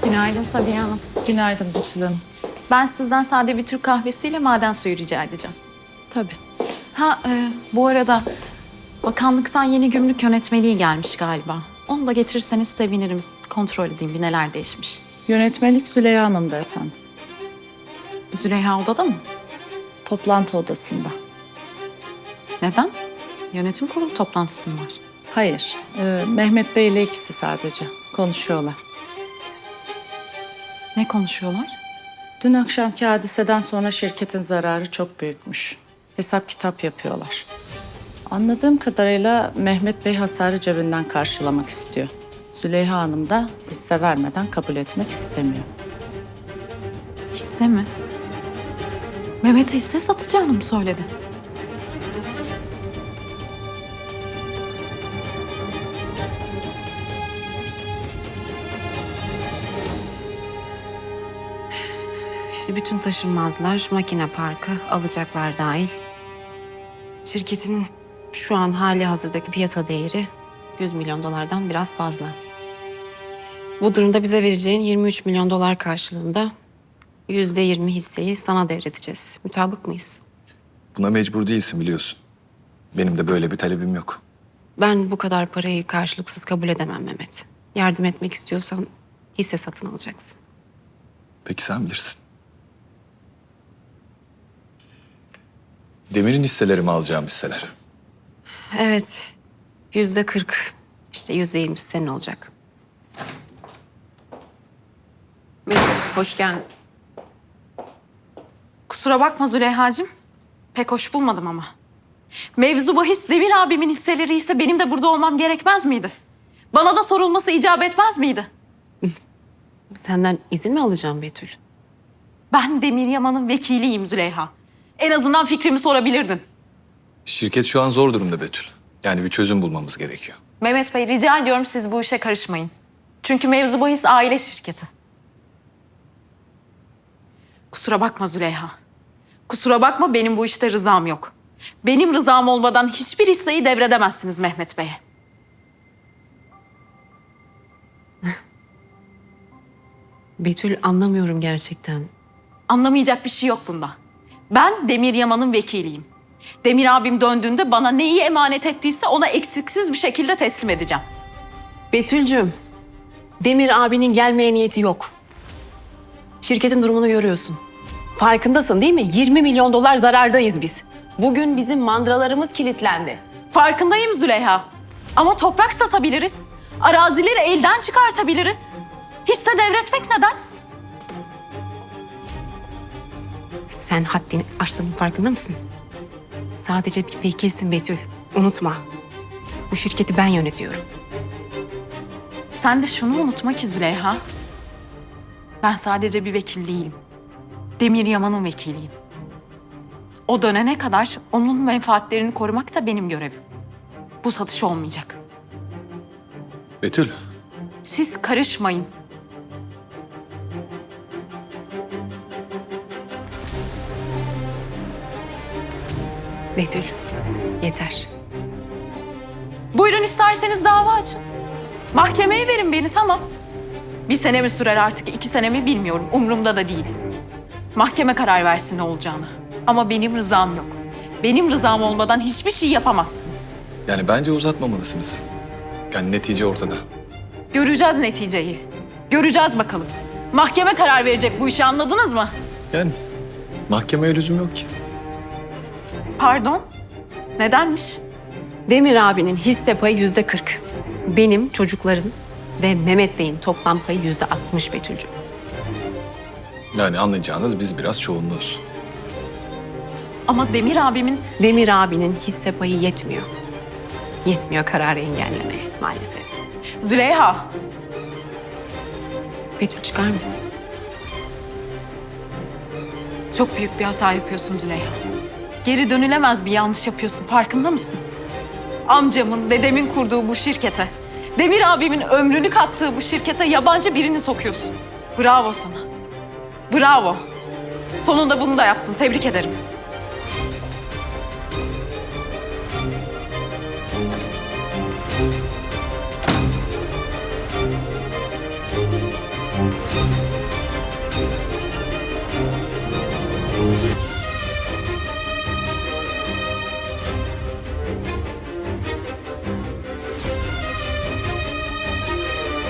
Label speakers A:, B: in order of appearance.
A: Günaydın Sabiha Hanım.
B: Günaydın Betül Hanım.
A: Ben sizden sade bir Türk kahvesiyle maden suyu rica edeceğim.
B: Tabii.
A: Bu arada bakanlıktan yeni gümrük yönetmeliği gelmiş galiba. Onu da getirirseniz sevinirim. Kontrol edeyim bir neler değişmiş.
B: Yönetmelik Züleyha Hanım'da efendim.
A: Züleyha odada mı?
B: Toplantı odasında.
A: Neden? Yönetim kurulu toplantısı mı var?
B: Hayır, Mehmet Bey ile ikisi sadece konuşuyorlar.
A: Ne konuşuyorlar?
B: Dün akşamki hadiseden sonra şirketin zararı çok büyükmüş. Hesap kitap yapıyorlar. Anladığım kadarıyla Mehmet Bey hasarı cebinden karşılamak istiyor. Züleyha Hanım da hisse vermeden kabul etmek istemiyor.
A: Hisse mi? Mehmet'e hisse satacağını mı söyledi?
C: İşte bütün taşınmazlar, makine parkı, alacaklar dahil. Şirketin şu an hali hazırdaki piyasa değeri 100 milyon dolardan biraz fazla. Bu durumda bize vereceğin 23 milyon dolar karşılığında %20 hisseyi sana devredeceğiz. Mutabık mıyız?
D: Buna mecbur değilsin biliyorsun. Benim de böyle bir talebim yok.
C: Ben bu kadar parayı karşılıksız kabul edemem Mehmet. Yardım etmek istiyorsan hisse satın alacaksın.
D: Peki sen bilirsin. Demir'in hisseleri mi alacağım hisseler?
C: Evet, %40. İşte %20 senin olacak. Hoş geldin.
A: Kusura bakma Züleyha'cığım. Pek hoş bulmadım ama. Mevzu bahis Demir abimin hisseleri ise benim de burada olmam gerekmez miydi? Bana da sorulması icap etmez miydi?
C: Senden izin mi alacağım Betül?
A: Ben Demir Yaman'ın vekiliyim Züleyha. En azından fikrimi sorabilirdin.
D: Şirket şu an zor durumda Betül. Yani bir çözüm bulmamız gerekiyor.
A: Mehmet Bey rica ediyorum siz bu işe karışmayın. Çünkü mevzu bahis aile şirketi. Kusura bakma Züleyha. Kusura bakma benim bu işte rızam yok. Benim rızam olmadan hiçbir hisseyi devredemezsiniz Mehmet Bey'e.
C: Betül anlamıyorum gerçekten.
A: Anlamayacak bir şey yok bunda. Ben Demir Yaman'ın vekiliyim. Demir abim döndüğünde bana neyi emanet ettiyse ona eksiksiz bir şekilde teslim edeceğim.
C: Betül'cüm, Demir abinin gelmeye niyeti yok. Şirketin durumunu görüyorsun. Farkındasın değil mi? 20 milyon dolar zarardayız biz. Bugün bizim mandralarımız kilitlendi.
A: Farkındayım Züleyha. Ama toprak satabiliriz. Arazileri elden çıkartabiliriz. Hisse devretmek neden?
C: Sen haddini aştığının farkında mısın? Sadece bir vekilsin Betül. Unutma. Bu şirketi ben yönetiyorum.
A: Sen de şunu unutma ki Züleyha. Ben sadece bir vekil değilim. Demir Yaman'ın vekiliyim. O dönene kadar onun menfaatlerini korumak da benim görevim. Bu satış olmayacak.
D: Betül,
A: Siz karışmayın.
C: Betül, yeter.
A: Buyurun isterseniz dava açın. Mahkemeye verin beni tamam. 1 sene mi sürer artık 2 sene mi bilmiyorum. Umurumda da değil. Mahkeme karar versin ne olacağını. Ama benim rızam yok. Benim rızam olmadan hiçbir şey yapamazsınız.
D: yani bence uzatmamalısınız. Yani netice ortada.
A: Göreceğiz neticeyi. Göreceğiz bakalım. Mahkeme karar verecek bu işi anladınız mı?
D: Yani mahkemeye lüzum yok ki.
A: Pardon? Nedenmiş?
C: Demir abinin hisse payı %40. Benim, çocukların ve Mehmet Bey'in toplam payı %60 Betül'cüm.
D: Yani anlayacağınız biz biraz çoğunluğuz.
A: Ama
C: Demir abinin hisse payı yetmiyor. Yetmiyor kararı engellemeye maalesef.
A: Züleyha.
C: Betül çıkar mısın?
A: Çok büyük bir hata yapıyorsun Züleyha. Geri dönülemez bir yanlış yapıyorsun. Farkında mısın? Amcamın, dedemin kurduğu bu şirkete, Demir abimin ömrünü kattığı bu şirkete yabancı birini sokuyorsun. Bravo sana. Bravo. Sonunda bunu da yaptın. Tebrik ederim.